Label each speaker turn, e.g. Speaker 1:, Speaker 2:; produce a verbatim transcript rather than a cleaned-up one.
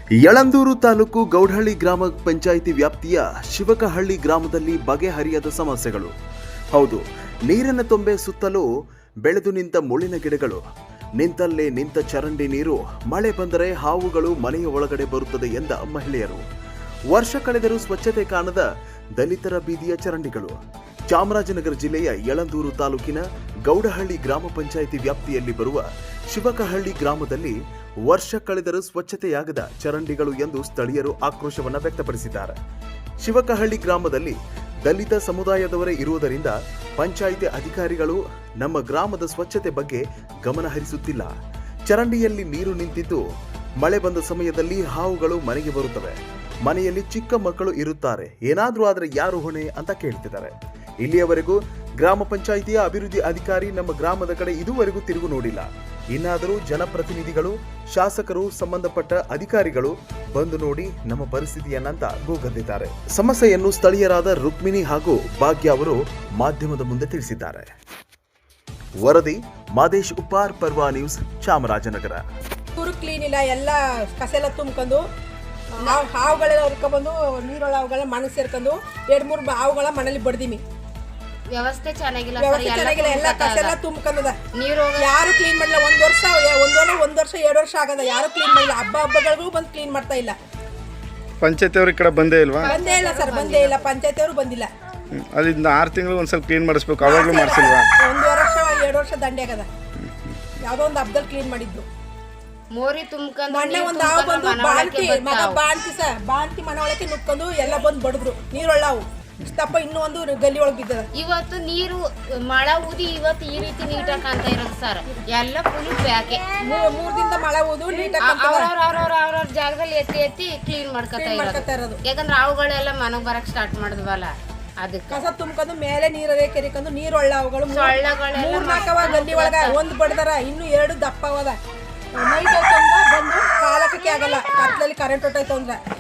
Speaker 1: ಯಳಂದೂರು ತಾಲೂಕು ಗೌಡಹಳ್ಳಿ ಗ್ರಾಮ ಪಂಚಾಯಿತಿ ವ್ಯಾಪ್ತಿಯ ಶಿವಕಹಳ್ಳಿ ಗ್ರಾಮದಲ್ಲಿ ಬಗೆಹರಿಯದ ಸಮಸ್ಯೆಗಳು. ಹೌದು, ನೀರಿನ ತೊಂಬೆ ಸುತ್ತಲೂ ಬೆಳೆದು ನಿಂತ ಮುಳ್ಳಿನ ಗಿಡಗಳು, ನಿಂತಲ್ಲೇ ನಿಂತ ಚರಂಡಿ ನೀರು, ಮಳೆ ಬಂದರೆ ಹಾವುಗಳು ಮನೆಯ ಒಳಗಡೆ ಬರುತ್ತದೆ ಎಂದ ಮಹಿಳೆಯರು. ವರ್ಷ ಕಳೆದರೂ ಸ್ವಚ್ಛತೆ ಕಾಣದ ದಲಿತರ ಬೀದಿಯ ಚರಂಡಿಗಳು. ಚಾಮರಾಜನಗರ ಜಿಲ್ಲೆಯ ಯಳಂದೂರು ತಾಲೂಕಿನ ಗೌಡಹಳ್ಳಿ ಗ್ರಾಮ ಪಂಚಾಯಿತಿ ವ್ಯಾಪ್ತಿಯಲ್ಲಿ ಬರುವ ಶಿವಕಹಳ್ಳಿ ಗ್ರಾಮದಲ್ಲಿ ವರ್ಷ ಕಳೆದರೂ ಸ್ವಚ್ಛತೆಯಾಗದ ಚರಂಡಿಗಳು ಎಂದು ಸ್ಥಳೀಯರು ಆಕ್ರೋಶವನ್ನು ವ್ಯಕ್ತಪಡಿಸಿದ್ದಾರೆ. ಶಿವಕಹಳ್ಳಿ ಗ್ರಾಮದಲ್ಲಿ ದಲಿತ ಸಮುದಾಯದವರೇ ಇರುವುದರಿಂದ ಪಂಚಾಯಿತಿ ಅಧಿಕಾರಿಗಳು ನಮ್ಮ ಗ್ರಾಮದ ಸ್ವಚ್ಛತೆ ಬಗ್ಗೆ ಗಮನ ಹರಿಸುತ್ತಿಲ್ಲ. ಚರಂಡಿಯಲ್ಲಿ ನೀರು ನಿಂತಿದ್ದು ಮಳೆ ಬಂದ ಸಮಯದಲ್ಲಿ ಹಾವುಗಳು ಮನೆಗೆ ಬರುತ್ತವೆ. ಮನೆಯಲ್ಲಿ ಚಿಕ್ಕ ಮಕ್ಕಳು ಇರುತ್ತಾರೆ, ಏನಾದರೂ ಆದರೆ ಯಾರು ಹೊಣೆ ಅಂತ ಕೇಳ್ತಿದ್ದಾರೆ. ಇಲ್ಲಿಯವರೆಗೂ ಗ್ರಾಮ ಪಂಚಾಯಿತಿಯ ಅಭಿವೃದ್ಧಿ ಅಧಿಕಾರಿ ನಮ್ಮ ಗ್ರಾಮದ ಕಡೆ ಇದುವರೆಗೂ ತಿರುಗು ನೋಡಿಲ್ಲ. ಇನ್ನಾದರೂ ಜನಪ್ರತಿನಿಧಿಗಳು, ಶಾಸಕರು, ಸಂಬಂಧಪಟ್ಟ ಅಧಿಕಾರಿಗಳು ಬಂದು ನೋಡಿ ನಮ್ಮ ಪರಿಸ್ಥಿತಿಯನ್ನಂತ ಗೋಗದ್ದಿದ್ದಾರೆ. ಸಮಸ್ಯೆಯನ್ನು ಸ್ಥಳೀಯರಾದ ರುಕ್ಮಿಣಿ ಹಾಗೂ ಭಾಗ್ಯ ಅವರು ಮಾಧ್ಯಮದ ಮುಂದೆ ತಿಳಿಸಿದ್ದಾರೆ. ವರದಿ ಮಾದೇಶ್ ಉಪ್ಪಾರ್, ಪರ್ವಾ ನ್ಯೂಸ್, ಚಾಮರಾಜನಗರ.
Speaker 2: ಊರು ಕ್ಲೀನ್ ಇಲ್ಲ, ಎಲ್ಲ ಕಸ ಎಲ್ಲ ತುಂಬ್ಕೊಂಡು ನಾವು ಹಾವುಗಳೆಲ್ಲ ಹುರ್ಕೊಂಡ್ಬಂದು ನೀರೊಳ ಹಾವುಗಳ ಮನೆ ಸೇರ್ಕೊಂಡು ಎರಡು ಮೂರು ಹಾವುಗಳ ಮನೇಲಿ ಬಡ್ದೀವಿ.
Speaker 3: ವ್ಯವಸ್ಥೆ ಚೆನ್ನಾಗಿಲ್ಲ,
Speaker 2: ವ್ಯವಸ್ಥೆ ಚೆನ್ನಾಗಿಲ್ಲ, ಎಲ್ಲ ಕಸ ಎಲ್ಲ ತುಂಬ್ಕೊಂಡದ. ನೀರು ಯಾರು ಕ್ಲೀನ್ ಮಾಡಿಲ್ಲ. ಒಂದ್ ವರ್ಷ ಒಂದೊಂದು ಒಂದ್ ವರ್ಷ ಎರಡು ವರ್ಷ ಆಗದ, ಯಾರು ಕ್ಲೀನ್ ಮಾಡಿಲ್ಲ. ಹಬ್ಬ ಹಬ್ಬಗಳಿಗೂ ಬಂದು ಕ್ಲೀನ್ ಮಾಡ್ತಾ ಇಲ್ಲ.
Speaker 4: ಪಂಚಾಯತಿ ಅವ್ರ ಕಡೆ ಬಂದೇ ಇಲ್ವಾ?
Speaker 2: ಬಂದೇ ಇಲ್ಲ ಸರ್, ಬಂದೇ ಇಲ್ಲ. ಪಂಚಾಯತಿ ಅವರು ಬಂದಿಲ್ಲ.
Speaker 4: ಅಲ್ಲಿಂದ ಆರು ತಿಂಗಳು ಒಂದ್ಸಲ ಕ್ಲೀನ್ ಮಾಡಿಸ್ಬೇಕು, ಅವಾಗಲೂ ಮಾಡಿಸಿಲ್ವಾ?
Speaker 2: ಒಂದು ವರ್ಷ ಎರಡು ವರ್ಷ ದಂಡೆ ಆಗದ. ಯಾವ್ದೋ ಒಂದು ಹಬ್ಬದಲ್ಲಿ ಕ್ಲೀನ್ ಮಾಡಿದ್ದು.
Speaker 3: ಮೋರಿ ತುಂಬ್ಕೊಂಡು
Speaker 2: ಮೊನ್ನೆ ಒಂದು ಹಾವು ಬಂದು ಬಾಂತಿ ಮಗ ಬಾಂತಿ ಸ ಬಾಂತಿ ಮನೆ ಒಳಕ್ಕೆ ನುಗ್ಕೊಂಡು ಎಲ್ಲ ಬಂದು ಬಡದ್ರು. ನೀರೊಳ್ಳಾವು ಇಷ್ಟಪ್ಪ, ಇನ್ನೂ ಒಂದು ಗಲ್ಲಿ ಒಳಗೆ ಬಿದ್ದದ.
Speaker 3: ಇವತ್ತು ನೀರು ಮಳೆ ಊದಿ ಇವತ್ತು ಈ ರೀತಿ ನೀಟಾಗಿ ಕಾಣ್ತಾ ಇರೋದು ಸರ್. ಎಲ್ಲ ಫುಲ್ ಬ್ಯಾಕೆ
Speaker 2: ಮೂರ್ ದಿನದ ಮಳೆ ಊದು ನೀಟಾಗಿ
Speaker 3: ಅವ್ರವ್ರ ಅವ್ರವ್ರ ಅವ್ರವ್ರ ಜಾಗದಲ್ಲಿ ಎತ್ತಿ ಎತ್ತಿ ಕ್ಲೀನ್ ಮಾಡ್ಕೊತಾ ಇರೋದು. ಯಾಕಂದ್ರೆ ಅವುಗಳೆಲ್ಲ ಮನೆಗೆ ಬರಕ್ ಸ್ಟಾರ್ಟ್ ಮಾಡಿದ್ವಲ್ಲ, ಅದಕ್ಕೆ
Speaker 2: ಕಸ ತುಂಬ್ಕೊಂಡು ಮೇಲೆ ನೀರೇ ಕೆರಿಕೊಂಡು ನೀರೊಳ್ಳ ಅವುಗಳು ಮೂರ್ ನಾಲ್ಕವ ಗಲ್ಲಿ ಒಳಗ ಒಂದ್ ಬಡ್ದಾರ, ಇನ್ನು ಎರಡು ದಪ್ಪ ಅವದ. ನೈಟ್ ಬಂದು ಕಾಲಕ್ಕೆ ಆಗಲ್ಲ, ಕತ್ಲಲ್ಲಿ ಕರೆಂಟ್ ಹೊಟ್ಟೈತೆ ಅಂದ್ರೆ